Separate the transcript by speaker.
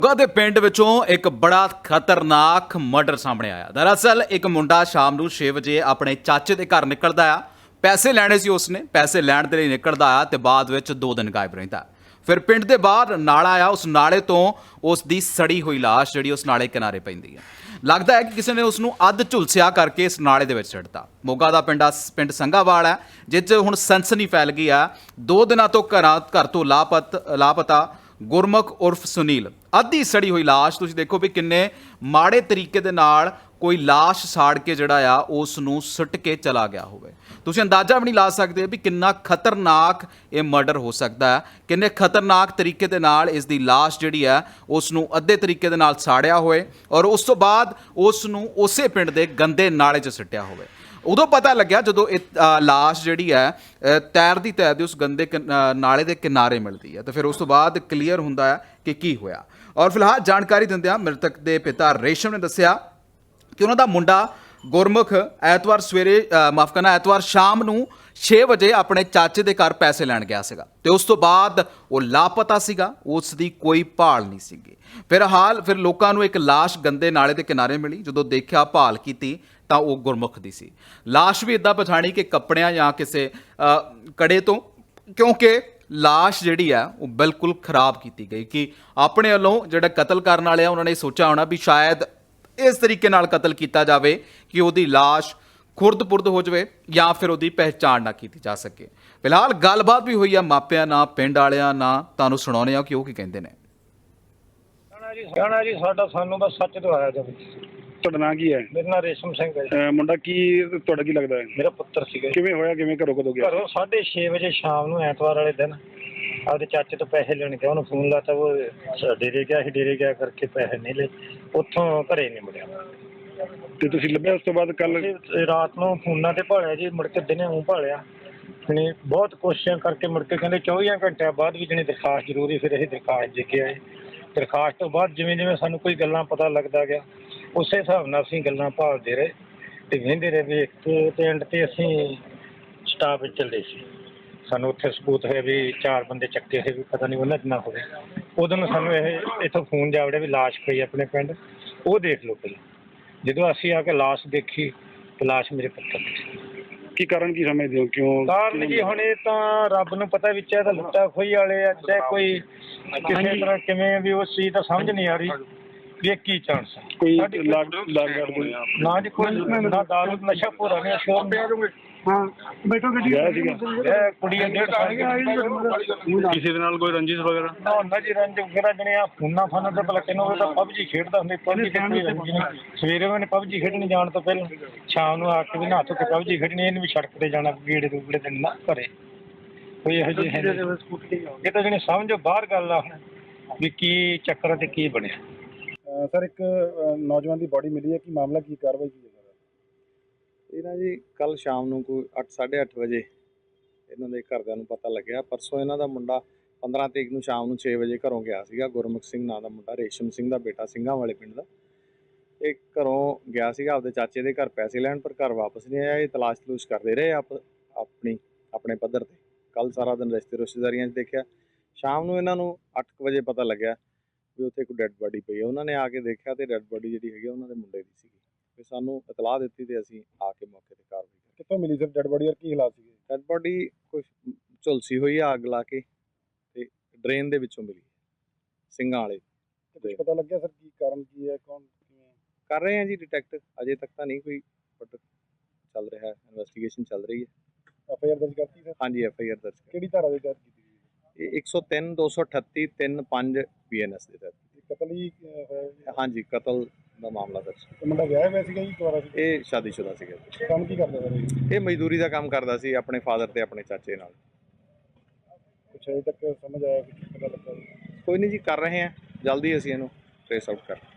Speaker 1: ਮੋਗਾ ਦੇ ਪਿੰਡ ਵਿੱਚੋਂ ਇੱਕ ਬੜਾ ਖਤਰਨਾਕ ਮਰਡਰ ਸਾਹਮਣੇ ਆਇਆ। ਦਰਅਸਲ ਇੱਕ ਮੁੰਡਾ ਸ਼ਾਮ ਨੂੰ 6 ਵਜੇ ਆਪਣੇ ਚਾਚੇ ਦੇ ਘਰ ਨਿਕਲਦਾ ਆ। ਪੈਸੇ ਲੈਣੇ ਸੀ, ਉਸਨੇ ਪੈਸੇ ਲੈਣ ਦੇ ਲਈ ਨਿਕਲਦਾ ਆ ਤੇ ਬਾਅਦ ਵਿੱਚ 2 ਦਿਨ ਗਾਇਬ ਰਹਿੰਦਾ। ਫਿਰ ਪਿੰਡ ਦੇ ਬਾਹਰ ਨਾਲਾ ਆ, ਉਸ ਨਾਲੇ ਤੋਂ ਉਸ ਦੀ ਸੜੀ ਹੋਈ ਲਾਸ਼ ਜਿਹੜੀ ਉਸ ਨਾਲੇ ਕਿਨਾਰੇ ਪੈਂਦੀ ਹੈ। ਲੱਗਦਾ ਹੈ ਕਿ ਕਿਸੇ ਨੇ ਉਸ ਨੂੰ ਅੱਧ ਝੁਲਸਿਆ ਕਰਕੇ ਇਸ ਨਾਲੇ ਦੇ ਵਿੱਚ ਸਿੱਟਤਾ। ਮੋਗਾ ਦਾ ਪਿੰਡ ਸੰਘਾਵਾਲ ਹੈ, ਜਿਸ 'ਚ ਹੁਣ ਸਨਸਨੀ ਫੈਲ ਗਈ ਆ। 2 ਦਿਨਾਂ ਤੋਂ ਘਰ ਤੋਂ ਲਾਪਤਾ ਗੁਰਮੁਖ ਉਰਫ ਸੁਨੀਲ। ਅੱਧੀ ਸੜੀ ਹੋਈ ਲਾਸ਼, ਤੁਸੀਂ ਦੇਖੋ ਵੀ ਕਿੰਨੇ ਮਾੜੇ ਤਰੀਕੇ ਦੇ ਨਾਲ ਕੋਈ ਲਾਸ਼ ਸਾੜ ਕੇ ਜਿਹੜਾ ਆ ਉਸ ਨੂੰ ਸੁੱਟ ਕੇ ਚਲਾ ਗਿਆ ਹੋਵੇ। ਤੁਸੀਂ ਅੰਦਾਜ਼ਾ ਵੀ ਨਹੀਂ ਲਾ ਸਕਦੇ ਵੀ ਕਿੰਨਾ ਖਤਰਨਾਕ ਇਹ ਮਰਡਰ ਹੋ ਸਕਦਾ ਹੈ, ਕਿੰਨੇ ਖਤਰਨਾਕ ਤਰੀਕੇ ਦੇ ਨਾਲ ਇਸ ਦੀ ਲਾਸ਼ ਜਿਹੜੀ ਹੈ ਉਸ ਨੂੰ ਅੱਧੇ ਤਰੀਕੇ ਦੇ ਨਾਲ ਸਾੜਿਆ ਹੋਵੇ ਔਰ ਉਸ ਤੋਂ ਬਾਅਦ ਉਸ ਨੂੰ ਉਸੇ ਪਿੰਡ ਦੇ ਗੰਦੇ ਨਾਲੇ 'ਚ ਸਿੱਟਿਆ ਹੋਵੇ। ਉਦੋਂ ਪਤਾ ਲੱਗਿਆ ਜਦੋਂ ਇਹ ਲਾਸ਼ ਜਿਹੜੀ ਹੈ ਤੈਰਦੀ ਉਸ ਗੰਦੇ ਨਾਲੇ ਦੇ ਕਿਨਾਰੇ ਮਿਲਦੀ ਹੈ, ਤਾਂ ਫਿਰ ਉਸ ਤੋਂ ਬਾਅਦ ਕਲੀਅਰ ਹੁੰਦਾ ਹੈ ਕਿ ਕੀ ਹੋਇਆ। ਔਰ ਫਿਲਹਾਲ ਜਾਣਕਾਰੀ ਦਿੰਦਿਆਂ ਮ੍ਰਿਤਕ ਦੇ ਪਿਤਾ ਰੇਸ਼ਮ ਨੇ ਦੱਸਿਆ ਕਿ ਉਹਨਾਂ ਦਾ ਮੁੰਡਾ ਗੁਰਮੁਖ ਐਤਵਾਰ ਸ਼ਾਮ ਨੂੰ 6 ਵਜੇ ਆਪਣੇ ਚਾਚੇ ਦੇ ਘਰ ਪੈਸੇ ਲੈਣ ਗਿਆ ਸੀਗਾ ਤੇ ਉਸ ਤੋਂ ਬਾਅਦ ਉਹ ਲਾਪਤਾ ਸੀਗਾ, ਉਸ ਦੀ ਕੋਈ ਭਾਲ ਨਹੀਂ ਸੀਗੀ। ਫਿਰ ਲੋਕਾਂ ਨੂੰ ਇੱਕ ਲਾਸ਼ ਗੰਦੇ ਨਾਲੇ ਦੇ ਕਿਨਾਰੇ ਮਿਲੀ। ਜਦੋਂ ਦੇਖਿਆ, ਭਾਲ ਕੀਤੀ ਤਾਂ ਉਹ ਗੁਰਮੁਖ ਦੀ ਸੀ। ਲਾਸ਼ ਵੀ ਇੱਦਾਂ ਪਛਾਣੀ ਕਿ ਕੱਪੜਿਆਂ ਜਾਂ ਕਿਸੇ ਕੜੇ ਤੋਂ, ਕਿਉਂਕਿ ਲਾਸ਼ ਜਿਹੜੀ ਆ ਉਹ ਬਿਲਕੁਲ ਖਰਾਬ ਕੀਤੀ ਗਈ। ਕਿ ਆਪਣੇ ਵੱਲੋਂ ਜਿਹੜਾ ਕਤਲ ਕਰਨ ਵਾਲੇ ਆ ਉਹਨਾਂ ਨੇ ਸੋਚਿਆ ਹੋਣਾ ਵੀ ਸ਼ਾਇਦ ਇਸ ਤਰੀਕੇ ਨਾਲ ਕਤਲ ਕੀਤਾ ਜਾਵੇ ਕਿ ਉਹਦੀ ਲਾਸ਼ ਖੁਰਦ-ਪੁਰਦ ਹੋ ਜਾਵੇ ਜਾਂ ਫਿਰ ਉਹਦੀ ਪਹਿਚਾਣ ਨਾ ਕੀਤੀ ਜਾ ਸਕੇ। ਫਿਲਹਾਲ ਗੱਲਬਾਤ ਵੀ ਹੋਈ ਆ ਮਾਪਿਆਂ ਨਾਲ, ਪਿੰਡ ਵਾਲਿਆਂ ਨਾਲ, ਤੁਹਾਨੂੰ ਸੁਣਾਉਂਦੇ ਆ ਕਿ ਉਹ ਕੀ ਕਹਿੰਦੇ ਨੇ।
Speaker 2: ਕਹਿਣਾ ਜੀ ਸਾਨੂੰ ਬਸ ਸੱਚ ਦਵਾਇਆ ਜਾਵੇ।
Speaker 3: ਤੁਹਾਡਾ ਨਾਂ ਕੀ ਹੈ?
Speaker 2: ਮੇਰਾ ਨਾਂ ਰੇਸ਼ਮ ਸਿੰਘ ਹੈ ਜੀ।
Speaker 3: ਮੁੰਡਾ ਤੁਹਾਡਾ ਕੀ ਲੱਗਦਾ ਹੈ?
Speaker 2: ਮੇਰਾ ਪੁੱਤਰ ਸੀਗਾ।
Speaker 3: ਕਿਵੇਂ ਹੋਇਆ, ਕਿਵੇਂ ਘਰੋਂ ਕਦੋਂ ਗਿਆ?
Speaker 2: ਘਰੋਂ 6:30 ਵਜੇ ਸ਼ਾਮ ਨੂੰ ਐਤਵਾਰ ਵਾਲੇ ਦਿਨ ਆਪਦੇ ਚਾਚੇ ਤੋਂ ਪੈਸੇ ਲੈਣ ਗਿਆ। ਉਹਨੂੰ ਫੋਨ ਲਾਤਾ, ਉਹ ਡੇਰੇ ਗਿਆ ਸੀ। ਡੇਰੇ ਗਿਆ ਕਰਕੇ ਪੈਸੇ ਨਹੀਂ ਲਏ, ਉੱਥੋਂ ਘਰੇ ਨਹੀਂ ਮੁੜਿਆ।
Speaker 3: ਤੇ ਤੁਸੀਂ ਲੱਭਿਆ ਉਸ ਤੋਂ ਬਾਅਦ? ਕੱਲ
Speaker 2: ਰਾਤ ਨੂੰ ਫੋਨਾਂ ਤੇ ਭਾਲਿਆ ਜੀ, ਮੁੜ ਕੇ ਦਿਨੇ ਉਹ ਭਾਲਿਆ। ਜਣੀ ਬਹੁਤ ਕੋਸ਼ਿਸ਼ਾਂ ਕਰਕੇ ਮੁੜ ਕੇ ਕਹਿੰਦੇ 24 ਘੰਟਿਆਂ ਬਾਅਦ ਵੀ ਜਣੀ ਦਰਖਾਸਤ ਜ਼ਰੂਰੀ। ਫਿਰ ਅਸੀਂ ਦਰਖਾਸਤ ਦੇ ਕੇ ਆਏ। ਦਰਖਾਸਤ ਤੋਂ ਬਾਅਦ ਜਿਵੇਂ ਸਾਨੂੰ ਕੋਈ ਗੱਲਾਂ ਪਤਾ ਲੱਗਦਾ ਗਿਆ, ਉਸੇ ਹਿਸਾਬ ਨਾਲ ਅਸੀਂ ਗੱਲਾਂ ਭਾਲਦੇ ਰਹੇ ਤੇ ਵਹਿੰਦੇ ਰਹੇ ਵੀ ਇੱਕ ਐਂਡ ਤੇ ਅਸੀਂ ਸਟਾਫ ਵਿੱਚ ਚੱਲੇ ਸੀ। ਸਾਨੂੰ ਉੱਥੇ ਸਬੂਤ ਹੋਇਆ ਵੀ 4 ਬੰਦੇ ਚੱਕੇ ਹੋਏ, ਵੀ ਪਤਾ ਨਹੀਂ ਉਹਨਾਂ ਚ ਨਾ ਹੋਵੇ। ਉਦੋਂ ਨੂੰ ਸਾਨੂੰ ਇਹ ਇੱਥੋਂ ਫੋਨ ਜਾਵੜਿਆ ਵੀ ਲਾਸ਼ ਪਈ ਆਪਣੇ ਪਿੰਡ, ਉਹ ਦੇਖ ਲਓ ਪਹਿਲਾਂ। ਜਦੋਂ ਅਸੀਂ ਆ ਕੇ ਲਾਸ਼ ਦੇਖੀ ਤੇ ਲਾਸ਼ ਮੇਰੇ ਪੁੱਤਰ ਦੀ ਸੀ।
Speaker 3: ਕੀ ਕਾਰਨ ਕੀ ਸਮਝਦੇ ਹੋ? ਕਿਉਂ
Speaker 2: ਕਾਰਨ ਜੀ ਹੁਣ ਇਹ ਤਾਂ ਰੱਬ ਨੂੰ ਪਤਾ, ਵਿੱਚ ਇਹ ਤਾਂ ਲੁੱਟਾ ਖੋਹੀ ਵਾਲੇ ਆ, ਚਾਹੇ ਕੋਈ ਕਿਸੇ ਤਰ੍ਹਾਂ ਕਿਵੇਂ ਵੀ ਉਸ ਚੀਜ਼ ਤਾਂ ਸਮਝ ਨਹੀਂ ਆ ਰਹੀ ਵੀ ਇਹ ਕੀ ਚਾਂਸ ਹੈ।
Speaker 3: ਕੋਈ
Speaker 2: ਨਾ ਜੀ ਕੋਈ ਨਾ ਦਾਰੂ ਨਸ਼ਾ ਪੂਰਾ ਨਹੀਂ ਸ਼ੋਰ।
Speaker 3: ਹਾਂ ਬੈਠੋ ਗੱਡੀ ਸੀਗਾ
Speaker 2: ਕੁੜੀ 1.5 ਸਾਲ ਦੀ।
Speaker 3: ਕਿਸੇ ਦੇ ਨਾਲ ਕੋਈ ਰੰਜਿਸ਼ ਵਗੈਰਾ?
Speaker 2: ਨਾ ਜੀ ਰੰਜ ਵਗੈਰਾ ਜਣੇ ਆ ਫੋਨਾਂ ਫਾਨਾਂ ਤੇ ਭਲਾ ਕਿਨੋਂ ਤਾਂ ਪਬਜੀ ਖੇਡਦਾ ਹੁੰਦਾ। ਪਬਜੀ ਤੇ ਕੋਈ ਰੰਜ ਨਹੀਂ। ਸਵੇਰੇ ਉਹਨੇ ਪਬਜੀ ਖੇਡਣ ਜਾਣ ਤੋਂ ਪਹਿਲਾਂ ਸ਼ਾਮ ਨੂੰ ਆ ਕੇ ਵੀ ਨਹਾ ਧੋ ਕੇ ਪਬਜੀ ਖੇਡਣੀ। ਇਹਨੂੰ ਵੀ ਸੜਕ ਤੇ ਜਾਣਾ, ਗੇੜੇ ਰੂਗੜੇ ਤੇ ਨਾ ਘਰੇ ਕੋਈ ਇਹੋ ਜਿਹੀ ਹੈ। ਇਹ ਤਾਂ ਜਣੇ ਸਮਝੋ ਬਾਹਰ ਗੱਲ ਆ ਵੀ ਕੀ ਚੱਕਰ ਤੇ ਕੀ ਬਣਿਆ।
Speaker 3: ਸਰ, ਇੱਕ ਨੌਜਵਾਨ ਦੀ ਬਾਡੀ ਮਿਲੀ ਹੈ, ਕੀ ਮਾਮਲਾ, ਕੀ ਕਾਰਵਾਈ ਕੀ ਹੈ?
Speaker 4: ਇਹ ਨਾ ਜੀ ਕੱਲ ਸ਼ਾਮ ਨੂੰ ਕੋਈ 8-8:30 ਵਜੇ ਇਹਨਾਂ ਦੇ ਘਰਦਿਆਂ ਨੂੰ ਪਤਾ ਲੱਗਿਆ। ਪਰਸੋਂ ਇਹਨਾਂ ਦਾ ਮੁੰਡਾ 15 ਤਰੀਕ ਨੂੰ ਸ਼ਾਮ ਨੂੰ 6 ਵਜੇ ਘਰੋਂ ਗਿਆ ਸੀਗਾ। ਗੁਰਮੁਖ ਸਿੰਘ ਨਾਂ ਦਾ ਮੁੰਡਾ, ਰੇਸ਼ਮ ਸਿੰਘ ਦਾ ਬੇਟਾ, ਸਿੰਘਾਂ ਵਾਲੇ ਪਿੰਡ ਦਾ। ਇਹ ਘਰੋਂ ਗਿਆ ਸੀਗਾ ਆਪਦੇ ਚਾਚੇ ਦੇ ਘਰ ਪੈਸੇ ਲੈਣ, ਪਰ ਘਰ ਵਾਪਸ ਨਹੀਂ ਆਇਆ। ਇਹ ਤਲਾਸ਼ ਕਰਦੇ ਰਹੇ ਆਪਣੇ ਪੱਧਰ 'ਤੇ। ਕੱਲ ਸਾਰਾ ਦਿਨ ਰਿਸ਼ਤੇਦਾਰੀਆਂ 'ਚ ਦੇਖਿਆ। ਸ਼ਾਮ ਨੂੰ ਇਹਨਾਂ ਨੂੰ 8 ਵਜੇ ਪਤਾ ਲੱਗਿਆ ਵੀ ਉੱਥੇ ਕੋਈ ਡੈੱਡ ਬਾਡੀ ਪਈ ਹੈ। ਉਹਨਾਂ ਨੇ ਆ ਕੇ ਦੇਖਿਆ ਤੇ ਡੈੱਡ ਬਾਡੀ ਜਿਹੜੀ ਹੈਗੀ ਉਹਨਾਂ ਦੇ ਮੁੰਡੇ ਦੀ ਸੀਗੀ। ਫਿਰ ਸਾਨੂੰ ਇਤਲਾਹ ਦਿੱਤੀ ਤੇ ਅਸੀਂ ਆ ਕੇ ਮੌਕੇ ਤੇ ਕਾਰਵਾਈ ਕੀਤੀ।
Speaker 3: ਕਿੱਥੋਂ ਮਿਲੀ ਸਰ ਡੈੱਡ ਬਾਡੀ ਔਰ ਕੀ ਹਾਲਾਤ ਸੀਗੇ?
Speaker 4: ਡੈੱਡ ਬਾਡੀ ਕੁਝ ਝੁਲਸੀ ਹੋਈ ਆ ਅੱਗ ਲਾ ਕੇ, ਤੇ ਡਰੇਨ ਦੇ ਵਿੱਚੋਂ ਮਿਲੀ ਸਿੰਘਾਂ ਵਾਲੇ।
Speaker 3: ਕੁਝ ਪਤਾ ਲੱਗਿਆ ਸਰ ਕੀ ਕਾਰਨ ਕੀ ਹੈ, ਕੌਣ ਕਿਵੇਂ?
Speaker 4: ਕਰ ਰਹੇ ਹਾਂ ਜੀ ਡਿਟੈਕਟ, ਅਜੇ ਤੱਕ ਤਾਂ ਨਹੀਂ ਕੋਈ, ਬਟ ਚੱਲ ਰਿਹਾ ਹੈ, ਇਨਵੈਸਟੀਗੇਸ਼ਨ ਚੱਲ ਰਹੀ ਹੈ।
Speaker 3: FIR ਦਰਜ ਕਰਤੀ ਸਰ?
Speaker 4: ਹਾਂਜੀ, FIR ਦਰਜ
Speaker 3: ਕਿਹੜੀ ਧਾਰਾ ਦੇ ਤਹਿਤ ਕੀਤੀ ਗਈ?
Speaker 4: ਇਹ 103, 238, 3-5 BNS ਦੇ ਤਹਿਤ।
Speaker 3: ਕਤਲ ਹੀ ਹੋਇਆ?
Speaker 4: ਹਾਂਜੀ, ਕਤਲ ਦਾ ਮਾਮਲਾ ਦਰਜ।
Speaker 3: ਮੁੰਡਾ ਵਿਆਹਿਆ ਹੋਇਆ ਸੀਗਾ ਜੀ, ਦੁਬਾਰਾ ਸੀ?
Speaker 4: ਇਹ ਸ਼ਾਦੀशुदा ਸੀਗਾ।
Speaker 3: ਕੰਮ ਕੀ ਕਰਦਾ ਸਰ?
Speaker 4: ਇਹ ਮਜ਼ਦੂਰੀ ਦਾ ਕੰਮ ਕਰਦਾ ਸੀ ਆਪਣੇ ਫਾਦਰ ਤੇ ਆਪਣੇ ਚਾਚੇ ਨਾਲ।
Speaker 3: ਕੁਛ ਅਜੇ ਤੱਕ ਸਮਝ ਆਇਆ, ਕੁਛ ਪਤਾ ਲੱਗਾ?
Speaker 4: ਕੋਈ ਨਹੀਂ ਜੀ, ਕਰ ਰਹੇ ਹਾਂ, ਜਲਦੀ ਅਸੀਂ ਇਹਨੂੰ ਟ੍ਰੇਸ ਆਊਟ ਕਰ